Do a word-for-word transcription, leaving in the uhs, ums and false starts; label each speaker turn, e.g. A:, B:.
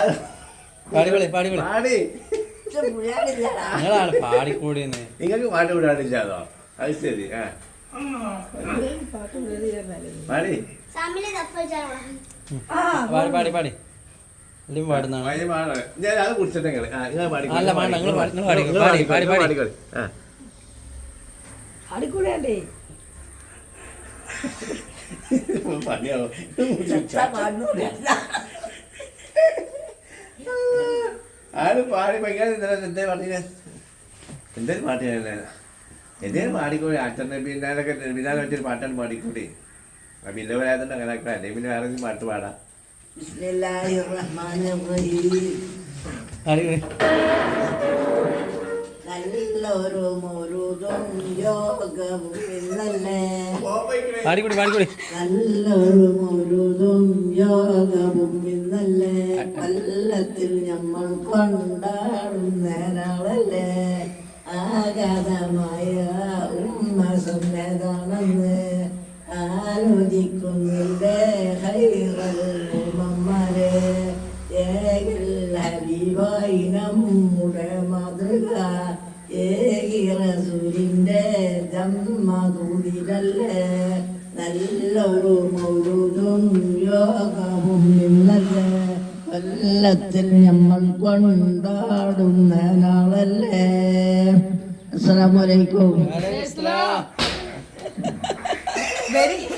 A: പാടിപൊളി പാടിപൊളി
B: പാടി
A: നിങ്ങളാണ് പാടിക്കൂടിയെന്ന്.
B: നിങ്ങൾക്ക് പാട്ട് വിടാനില്ലാതോ? അത് ശരി. ആ പാടി
A: പാടി പാടി പാടി എല്ലാം പാടുന്നതാണ്.
B: ഞാൻ അത് കുടിച്ചിട്ട് നിങ്ങൾ പാടി
A: അല്ല പാടി നിങ്ങൾ പാടി പാടി പാടി പാടി
B: പാടിക്കോളി. ആ
C: അടിക്കൂടേ
B: പണിയാവോ ആര് പാടി ഭയങ്കര എന്തേ പാട്ടിന് എന്തേലും പാട്ടിനല്ലേ എന്തേലും പാടിക്കൂടി അച്ഛൻ്റെ പിന്നാലൊക്കെ പിന്നാലെ വെച്ചൊരു പാട്ടാണ് പാടിക്കൂടി. പിന്നെ വരാതുണ്ട് അങ്ങനെ അല്ലെങ്കിൽ പിന്നെ വേറെ പാട്ട് പാടാം.
C: നല്ലൊരു മുരുതും യോഗവും ഇന്നല്ലേ
A: പാടിക്കൂടി പാടിക്കൂടി
C: നല്ലൊരു മുരുതും യോഗവും ഇന്നല്ലേ കൊല്ലത്തിൽ നമ്മൾ കൊണ്ടാടുന്ന നാളല്ലേ ആഗതമായ ഉമ്മ സന്നതാണെന്ന് ആലോചിക്കുന്നില്ലേ ഹൈറൽ ഉമ്മമാരെ ഏകിൽ ഹബീബായി നമ്മുടെ മാതൃക ഏകി റസൂലിന്റെ ജന്മദൂതിലല്ലേ നല്ലൊരു മൗലൂദും യോഗവും ഇന്നല്ലേ കൊല്ലത്തിൽ നമ്മൾ കൊണ്ടാടുന്ന നാളല്ലേ. അസ്സലാമു അലൈക്കും.
A: അലൈഹിസ്സലാം.
C: വെരി